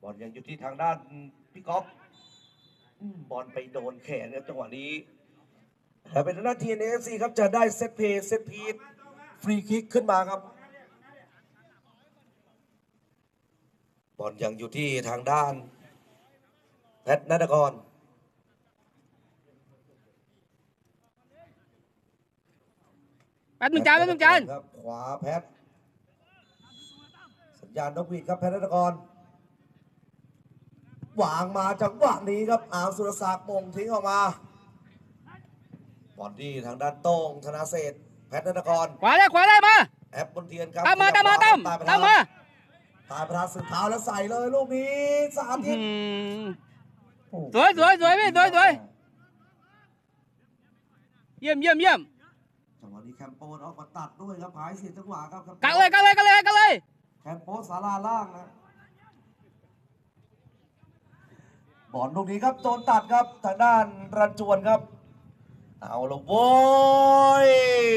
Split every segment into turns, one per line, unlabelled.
อลยังอยู่ที่ทางด้านพี่ก๊อฟบอลไปโดนแขนครับจังหวะนี้แต่เป็นทางด้าน TNFC ครับจะได้เซตเพย์เซตพีซฟรีคิกขึ้นมาครับบอลยังอยู่ที่ทางด้านแพทย์ณัฐกร
แป๊บนึงจาน
ครับขวาแพทย์สัญญาณนกหวีดครับแพทย์ณัฐกรวางมาจังหวะนี้ครับอาวสุรศักดิ์มงทิ้งออกมาบอลที่ทางด้านโต้งธนาเศรษฐ์แพทย์ณัฐกร
ขวาได้มา
แอปบนเทียนครับ
ตามมาตามมา
ตายประธานสุดเท้าแล้วใส่เลยลูกนี้สามทิศ
สวยพี่สวยเยี่ยม
จังหวะนี้แคมโปนออกมาตัดด้วยครับหายเสียจังหวะครับ
กันเลย
แคมโปสาราล่างนะบอลลูกนี้ครับโดนตัดครับทางด้านรันจวนครับเอาลงโว้ย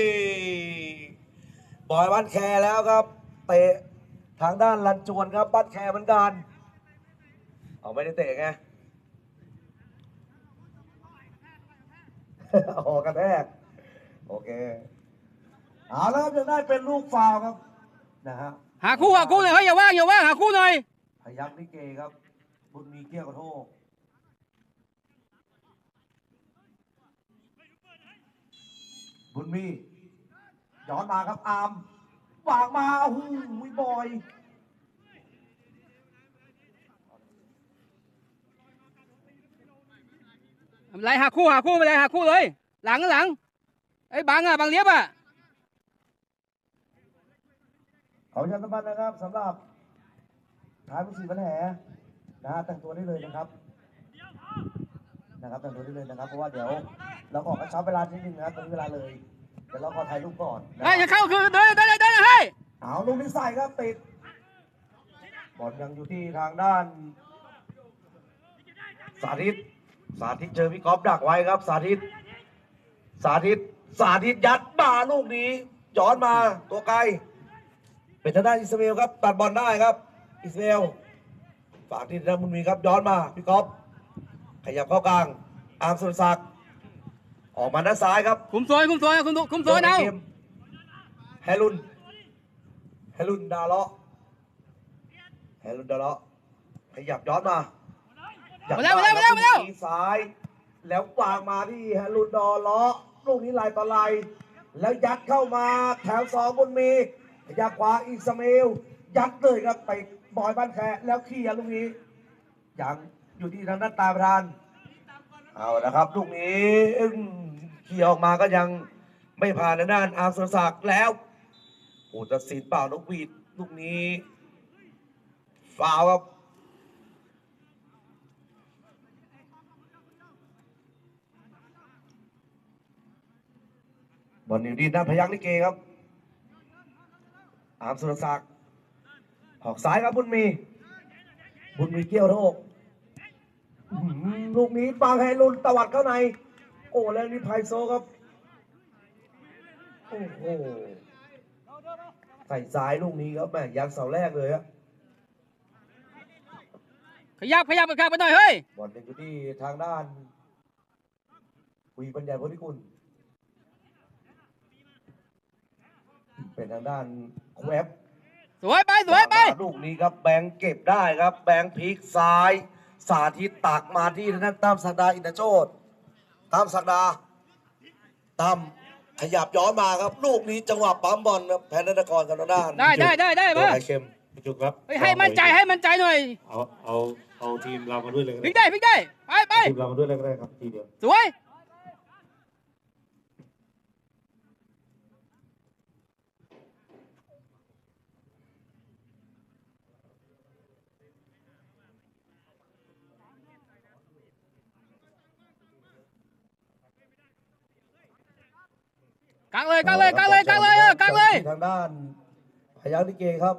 บอยบ้านแคแล้วครับเตะทางด้านรันจวนครับบ้านแคเหมือนกันเอาไม่ได้เตะไงออกกระแทกโอเคเอาแล้วครับจะได้เป็นลูกฟาวครับนะฮะ
หาคู่หน่อยเฮ้ยอย่าว่างหาคู่หน่อย
พยัคฆ์ลิเกครับบุญมีเกี้ยวกระโทกบุญมีย้อนมาครับอาร์มวางมาโอ้โหบอย
อะไรหาคู่ไปเลยหาคู่เลยหลังไอ้บังเลี้ยบ
ขอประชาสัมพันธ์นะครับสำหรับท้ายผู้สี่ปัญหานะฮะแต่งตัวได้เลยนะครับแต่งตัวได้เลยนะครับเพราะว่าเดี๋ยวเราออกกระชับเวลานิดนึงนะครับตอนนี้เวลาเลยเดี๋ยวเราขอถ่ายรูปก่อน
จะเข้าคือได้ให้
เอาลูกนี้ใส่ครับติดบอลยังอยู่ที่ทางด้านสาธิตเจอพี่ก๊อฟดักไว้ครับสาธิตยัดมาลูกนี้ย้อนมาตัวไกลเป็นทางด้านอิสราเอลครับตัดบอลได้ครับอิสราเอลฝากที่ทางบุญมีครับย้อนมาพี่ก๊อฟขยับเข้ากลางอาร์มสุรศักดิ์ออกมาด้านซ้ายครับ
คุมโซนเอา
แฮรุนดาเลาะขยับย้อนมาซ้ายแล้ววางมาที่แฮรุนดาเลาะลูกนี้ลายต่อลายแล้วยัดเข้ามาแถวสองบุญมีขยับขวาอิสมาอิลยัดเลยครับไปบอยบ้านแคแล้วเคลียร์ลูกนี้ยังอยู่ที่ทางด้านตาประธานเอานะครับลูกนี้เคลียร์ออกมาก็ยังไม่ผ่านทางด้านอาร์มสุรศักดิ์แล้วผู้ตัดสินเป่านกหวีดลูกนี้ฟาวครับบอลอยู่ที่ด้านพยัคฆ์ลิเกครับอาร์มสุรศักดิ์ออกซ้ายครับบุญมีเกี่ยวโทกลูกนี้ปางไฮรุนตวัดเข้าในโอ้แล้วนี่ไพโซครับโอ้โหใส่ซ้ายลูกนี้ครับแม่ยัดเสาแรกเลยครับ
ขยับไปข้างไปหน่อยเฮ้ย
บอลอยู่ที่ทางด้านวีปัญญาโพธิกุลเป็นทางด้านแวบ
สวยไป
ลูกนี้ครับแบงเก็บได้ครับแบงพลิกซ้ายสาธิตตักมาที่ทางด้านตั้มศักดาอินทโชติตั้มขยับย้อนมาครับลูกนี้จังหวะปั๊มบอลครับแพนธนกรกับทางด้าน
ได้
มาไข่เค็ม
พี่จุกครับ
ให้มั่นใจหน่อย
เอาทีมเรามาด้วยเลย
พลิกได้ไป
ทีมเรามาด้วยเลยก็ได้ครับทีเดียว
สวยกลางเลย
ทางด้านพยัคฆ์ลิเกครับ